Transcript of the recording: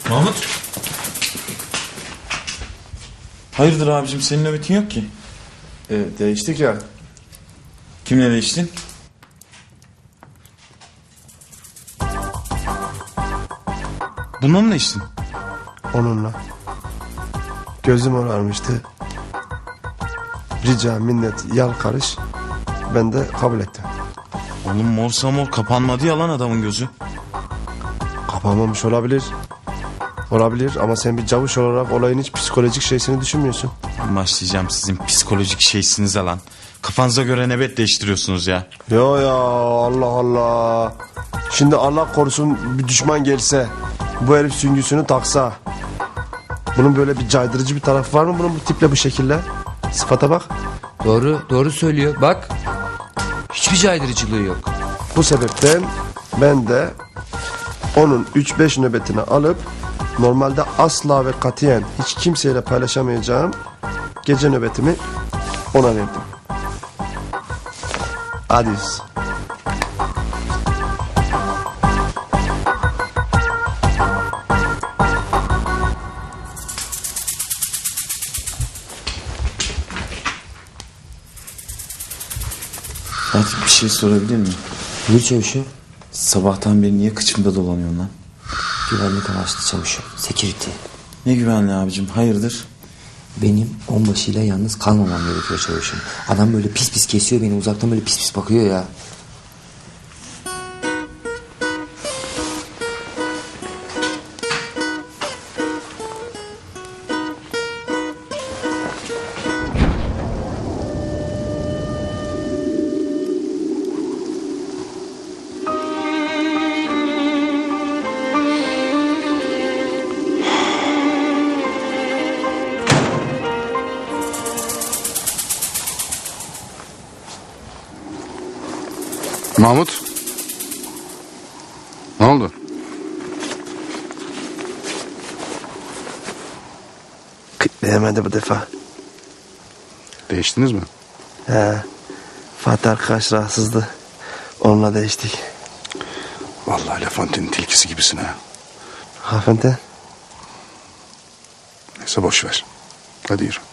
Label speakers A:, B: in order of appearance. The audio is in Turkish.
A: Mahmut. Hayırdır abicim, senin nöbetin yok ki.
B: Değiştik ya.
A: Kimle değiştin? Bununla mı değiştin?
B: Onunla. Gözüm ağarmıştı. Rica, minnet, yalkarış. Ben de kabul ettim.
A: Oğlum morsa mor kapanmadı ya lan adamın gözü.
B: Kapanmamış olabilir. Olabilir ama sen bir cavuş olarak olayın hiç psikolojik şeysini düşünmüyorsun.
A: Başlayacağım sizin psikolojik şeysinize lan. Kafanıza göre nöbet değiştiriyorsunuz ya.
B: Ya Allah Allah. Şimdi Allah korusun bir düşman gelse, bu herif süngüsünü taksa. Bunun böyle bir caydırıcı bir tarafı var mı bunun bu tiple bu şekilde? Sıfata bak.
C: Doğru söylüyor. Bak. Hiçbir caydırıcılığı yok.
B: Bu sebepten ben de onun 3-5 nöbetini alıp normalde asla ve katiyen hiç kimseyle paylaşamayacağım gece nöbetimi ona verdim. Adios.
A: Fatih, bir şey sorabilir miyim?
D: Buyur çavuşum.
A: Sabahtan beri niye kıçımda dolanıyorsun lan?
D: Güvenlik amaçlı çavuşum. Security.
A: Ne güvenli abicim, hayırdır?
D: Benim onbaşıyla yalnız kalmamam gerekiyor çavuşum. Adam böyle pis pis kesiyor beni, uzaktan böyle pis pis bakıyor ya.
E: Mahmut. Ne oldu?
B: Kıtlayamadı bu defa.
E: Değiştiniz mi?
B: He. Fatih arkadaş rahatsızdı. Onunla değiştik.
E: Vallahi Lefante'nin tilkisi gibisin ha.
B: Hanımefendi.
E: Neyse boş ver. Hadi yürü.